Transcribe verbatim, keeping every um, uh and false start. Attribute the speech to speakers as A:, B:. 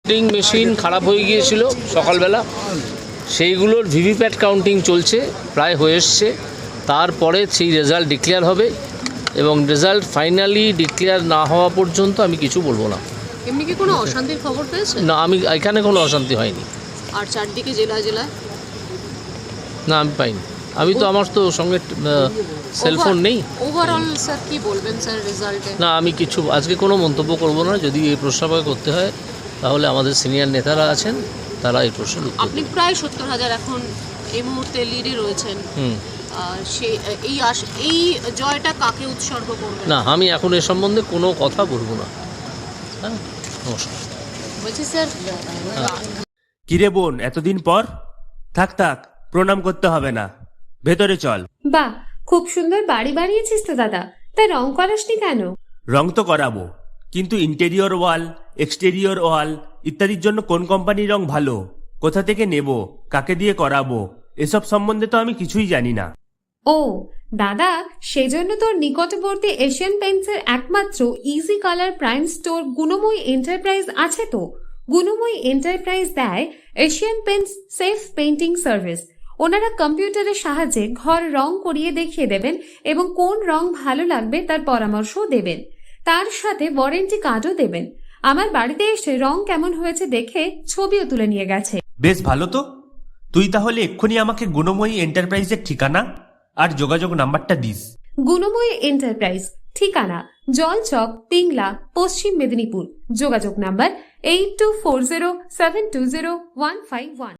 A: Counting machine খারাপ হয়ে গিয়েছিল সকালবেলা, সেইগুলোর ভিভিপ্যাট কাউন্টিং চলছে, প্রায় হয়ে এসছে। তারপরে সেই রেজাল্ট ডিক্লেয়ার হবে এবং রেজাল্ট ফাইনালি ডিক্লেয়ার না হওয়া পর্যন্ত আমি কিছু বলবো না।
B: এমনি কি কোনো অশান্তির খবর পেয়েছে?
A: না, আমি এখানে কোনো অশান্তি হয়নি।
B: আর চারদিকে জেলা জেলায়
A: না, আমি পাইনি। আমি তো আমার তো সঙ্গে সেলফোন নেই।
B: ওভারঅল স্যার কি বলবেন স্যার রেজাল্টে?
A: না, আমি কিছু আজকে কোনো মন্তব্য করব না। যদি এই প্রশ্ন আমাকে করতে হয় তাহলে আমাদের সিনিয়র নেতারা আছেন, তারা এই প্রশ্নের উত্তর
B: আপনি
A: দেবেন।
B: প্রায় সত্তর হাজার এখন এই মুহূর্তে লিডে রয়েছেন।
A: হুম
B: সেই এই আশ এই জয়টা কাকে উৎসর্গ করবেন?
A: না, আমি এখন এ সম্বন্ধে কোনো কথা বলবো না। হ্যাঁ, নমস্কার।
B: বলছি স্যার,
C: কিরে বোন, এতদিন পর? থাক থাক, প্রণাম করতে হবে না, ভেতরে চল।
D: বাহ, খুব সুন্দর বাড়ি বানিয়েছিস তো দাদা। তাই রং করাসনি কেন?
C: রং তো করাবো, কিন্তু ইন্টেরিয়র ওয়াল, এক্সটেরিয়র ওয়াল ইত্যাদির জন্য কোন কোম্পানির রং ভালো, কোথা থেকে নেব, কাকে দিয়ে করাবো, এসব সম্বন্ধে তো আমি কিছুই জানি না।
D: ও দাদা, সেজন্য তোর নিকটবর্তী এশিয়ান পেইন্টসের একমাত্র easy colour prime store Gunamoyee enterprise আছে তো। গুণময়ী এন্টারপ্রাইজ দেয় Asian Paints safe painting service. ওনারা কম্পিউটারের সাহায্যে ঘর রং করিয়ে দেখিয়ে দেবেন এবং কোন রং ভালো লাগবে তার পরামর্শও দেবেন। তার সাথে ওয়ারেন্টি কার্ডও দেবেন। আমার বাড়িতে এসে রং কেমন হয়েছে দেখে ছবিও তুলে নিয়ে গেছে।
C: বেশ ভালো তো। তুই তাহলে এক্ষুনি আমাকে গুণময়ী এন্টারপ্রাইজের ঠিকানা আর যোগাযোগ নাম্বারটা দিস।
D: গুণময়ী এন্টারপ্রাইজ, ঠিকানা জলচক, পিংলা, পশ্চিম মেদিনীপুর। যোগাযোগ number eight two four zero seven two zero one five one.